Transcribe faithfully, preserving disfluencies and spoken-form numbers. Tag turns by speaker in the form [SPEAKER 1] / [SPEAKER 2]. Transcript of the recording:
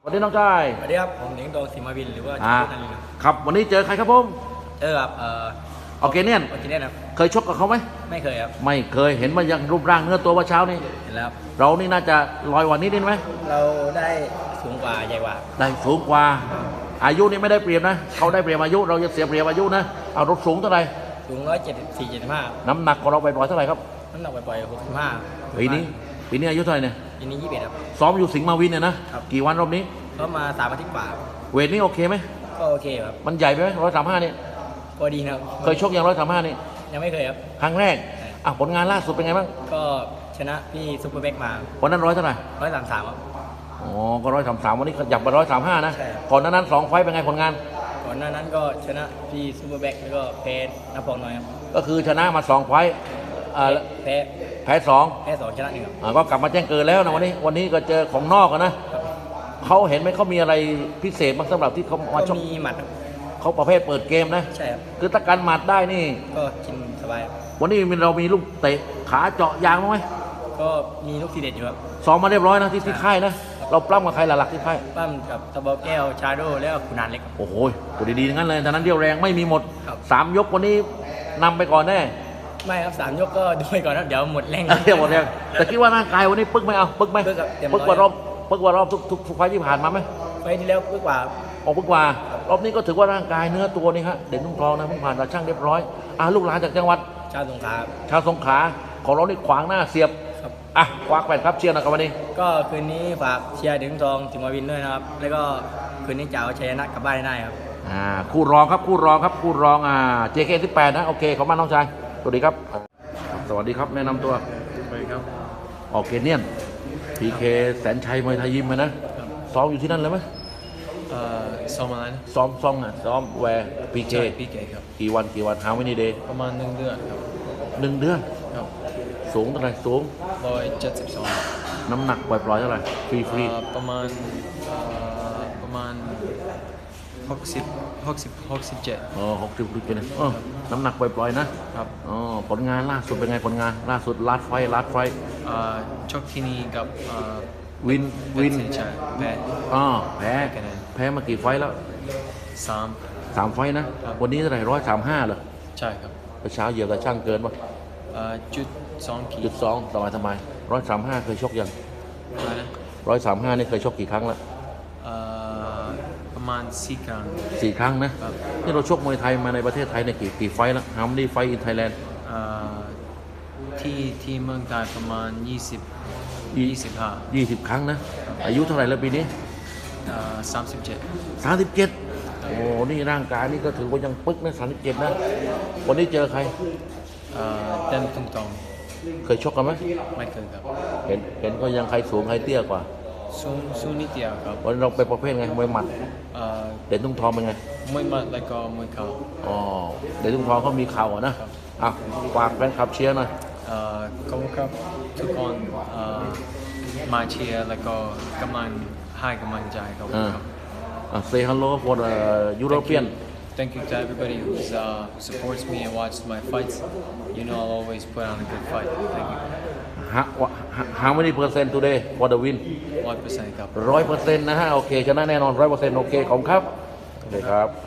[SPEAKER 1] วันนี้น้องชาย
[SPEAKER 2] สวัสดีครับผมหนิงโดสิมาวินหรือว่า
[SPEAKER 1] อ่า
[SPEAKER 2] จุนันลินครับ
[SPEAKER 1] ครับวันนี้เจอใครครับผม
[SPEAKER 2] เจอกับเอ่อ
[SPEAKER 1] ออร์เกเนียน
[SPEAKER 2] ออร์เกเนียนครับ
[SPEAKER 1] เคยชกกับเขาไหม
[SPEAKER 2] ไม่เคยครับ
[SPEAKER 1] ไม่เคยเห็นมายังรูปร่างเนื้อตัวว่าเช้านี่
[SPEAKER 2] เห็นแล้ว
[SPEAKER 1] เรานี่น่าจะลอยกว่านี้นิดไหม
[SPEAKER 2] เราได้สูงกว่าใหญ่กว่า
[SPEAKER 1] ได้สูงกว่าอายุนี่ไม่ได้เปรียบนะเขาได้เปรียบอายุเราจะเสียเปรียบอายุนะเอารถสูงเท่าไหร่
[SPEAKER 2] สูงร้อยเจ็ดสิบสี่เจ็ดสิบห้า
[SPEAKER 1] น้ำหนักของเราไปปล่อยเท่าไหร่ครับ
[SPEAKER 2] น้ำหนักปล่อยหกสิบห้า
[SPEAKER 1] ปีนี้ปีนี้อายุเท่าไหร่เนี่ย
[SPEAKER 2] ปีนี้ยี่สิบเอ็ดครับ
[SPEAKER 1] ซ้อมอยู่สิงห์มาวินเนี่ยนะครับกี่วันรอบนี้
[SPEAKER 2] ก็มาสามอาทิตย์กว่า
[SPEAKER 1] เวทนี้โอเคไหม
[SPEAKER 2] ก็โอเคครับ
[SPEAKER 1] มันใหญ่ไปไหมร้อยสามห้านี่
[SPEAKER 2] ก็ดีนะครับ
[SPEAKER 1] เคยชกยังร้อยสามห้านี่
[SPEAKER 2] ยังไม่เคยครับ
[SPEAKER 1] ครั้งแรกอ่ะผลงานล่าสุดเป็นไงบ้าง
[SPEAKER 2] ก็ชนะพี่ซุปเปอร์แบ็กมา
[SPEAKER 1] วันนั้นร้อยเท่าไหร่
[SPEAKER 2] ร้อยสามสามครับ
[SPEAKER 1] อ๋อก็ร้อยสามสามวันนี้ขยับมาร้อยสามห้านะ
[SPEAKER 2] ใช่
[SPEAKER 1] ก่อนหน้านั้นสองไฟต์เป็นไงผลงาน
[SPEAKER 2] ก่อนหน้านั้นก็ชนะพี่ซุปเปอร์แบ็กแล้วก็แพ้นับพองน้อยครับ
[SPEAKER 1] ก็คือชนะมาสองไฟต์อ่า
[SPEAKER 2] แพ้
[SPEAKER 1] แพ้สอง
[SPEAKER 2] แพ้สองชนะหนึ่งครับ
[SPEAKER 1] อ่าก็กลับมาแจ้งเกิดแล้วนะวันนี้วันนี้ก็เจอของนอกกันนะเขาเห็นไหมเขามีอะไรพิเศษบ้างสำหรับที่เขามาชก
[SPEAKER 2] มีหมัดครับ
[SPEAKER 1] เขาประเภทเปิดเกมนะ
[SPEAKER 2] ใช่ครับ
[SPEAKER 1] คือถ้าการหมัดได้นี่
[SPEAKER 2] ก็กินสบาย
[SPEAKER 1] วันนี้เรามีลูกเตะขาเจาะยางบ้างไหม
[SPEAKER 2] ก็มีลูกทีเด็ดอยู่ครับ
[SPEAKER 1] ซ้อมมาเรียบร้อยนะที่ที่ค่ายนะเราปล้ำกับใครหลักๆที่ค่าย
[SPEAKER 2] ปล้ำกับตะบอแก้วชาโดแล้วก็ขุนานเล็ก
[SPEAKER 1] โอ้โหตัวดีๆทั้งนั้นเลยตอนนั้นเดียวแรงไม่มีหมด
[SPEAKER 2] ครับ
[SPEAKER 1] สามยกวันนี้นำไปก่อนแน่
[SPEAKER 2] ไม่ครับสามยกก็ดูไปก่อนครับเดี๋ยวหมดแรง
[SPEAKER 1] เดี๋ยวหมดแรงแต่คิดว่าร่างกายวันนี้ปึ๊กไหมเอาปึ๊กไหม
[SPEAKER 2] ปึ๊กครับเต็มร้อย
[SPEAKER 1] ปึ๊กกว่ารอบปึ๊กกว่ารอบทุกทุกทุกไฟล์ที่ผ่านมาไหม
[SPEAKER 2] ไฟล์ที่แล้วปึ๊กกว่า
[SPEAKER 1] ออกปึ๊กกว่ารอบนี้ก็ถือว่าร่างกายเนื้อตัวนี่ฮะเด่นทุ่งทองนะเพิ่งผ่านตาช่างเรียบร้อยอ่ะลูกหลานจากจังหวัด
[SPEAKER 2] ชาวสงขลา
[SPEAKER 1] ชาวสงขลาของเรานี่ขวางหน้าเสียบ
[SPEAKER 2] ครับ
[SPEAKER 1] อ่ะควักแปดครับเชียร์หนะครับวันนี้
[SPEAKER 2] ก็คืนนี้ฝากเชียร์ถึงทองถึงมาวินด้วยนะครับแล้วก็คืนนี้จะเอาชัยชนะกลับบ้านได้ครับ
[SPEAKER 1] อ่าคู่รองครับคู่รองครับคู่รองอ่า เจ เค สิบแปดนะโอเคขอบคุณน้องชายสวัสดีครับสวัสดีครับแนะนำตัว
[SPEAKER 2] สวัสดีครับ
[SPEAKER 1] ออร์เกเนียน พี เค แสนชัยมวยไทยยิมนะซ้อมอยู่ที่นั่นเลยไหม
[SPEAKER 2] เอ่อซ้อมอะไรนะ
[SPEAKER 1] ซ้อมซ้อมอ่ะซ้อมแวร์ พี เค
[SPEAKER 2] พีเคครับ
[SPEAKER 1] กี่วันกี่วันหาวันนี้เดย์
[SPEAKER 2] ประมาณหนึ่งเดือนครับ
[SPEAKER 1] หนึ่งเดือน
[SPEAKER 2] ครับ
[SPEAKER 1] สูงเท่าไหร่สูง
[SPEAKER 2] ร้อยเจ็ดสิบสอง
[SPEAKER 1] น้ำหนักปล่อยๆเท่าไหร่ฟรีฟรี
[SPEAKER 2] ประมาณประมาณหกสิบหกสิบหกสิบเจ็ด
[SPEAKER 1] อ๋อหกสิบดูกันนะน้ำหนักปล่อยๆนะครับอ๋อผลงานล่าสุดเป็นไงผลงานล่าสุดลาดไฟลาดไฟ
[SPEAKER 2] ชกที่นี่กับ
[SPEAKER 1] วินวิน
[SPEAKER 2] แพ้
[SPEAKER 1] อ๋อแพ้แพ้มากี่ไฟแล้ว
[SPEAKER 2] สาม
[SPEAKER 1] สามไฟนะวันนี้เท่าไหร่ร้อยสามห้าเหรอ
[SPEAKER 2] ใช่ครับ
[SPEAKER 1] เช้าเหยียบแต่ช่างเกินป่ะ
[SPEAKER 2] จุดสองขี
[SPEAKER 1] ดจุดสองสบายสบายร้อยสามห้าเคยชกยังร้อยสามห้านี่เคยชกกี่ครั้งแล้ว
[SPEAKER 2] ประมาณสี่ครั้ง
[SPEAKER 1] สี่ครั้งนะนี่เราชกมวยไทยมาในประเทศไทยในกี่กี่ไฟแล้วฮาร์มดี้ไฟอินไทยแลนด์
[SPEAKER 2] ที่ที่เมืองไทยประมาณยี่สิบยี่สิบห้า
[SPEAKER 1] ยี่สิบครั้งนะอายุเท่าไหร่แล้วปีนี้
[SPEAKER 2] สามสิบเจ็ด
[SPEAKER 1] สามสิบเจ็ดโอ้นี่ร่างกายนี่ก็ถือว่ายังปึ๊กนะสามสิบเจ็ดนะวันนี้เจอใคร
[SPEAKER 2] เต้นตุ้งตอง
[SPEAKER 1] เคยชกกันไหม
[SPEAKER 2] ไม่เคยครับ
[SPEAKER 1] เห็นเห็นก็ยังใครสูงใครเตี้ยกว่า
[SPEAKER 2] สูงสูงนิดเดียวครับ
[SPEAKER 1] วันนี้เราไปประเภทไงมวยหมัดเด่นตุ้งทองเป็นไง
[SPEAKER 2] มวยหมัดแล้วก็มวยเข่า
[SPEAKER 1] อ๋อเด่นตุ้งทองเขามีเข่าอ่ะนะอ่ะฝากแฟนคลับเชียร์หน่อย
[SPEAKER 2] ขอบคุณครับทุกคนมาเชียร์แล้วก็กำลังให้กำลังใจครับ
[SPEAKER 1] Say hello for the European
[SPEAKER 2] Thank you to everybody who's, uh, who supports me and watches my fights. You know I'll always put on a good fight. Thank you.
[SPEAKER 1] How, how many percent today for the win?
[SPEAKER 2] One percent ครับ
[SPEAKER 1] ร้อยเปอร์เซ็นต์นะฮะโอเคชนะแน่นอนร้อยเปอร์เซ็นต์โอเคขอบคุณครับโอเคครับ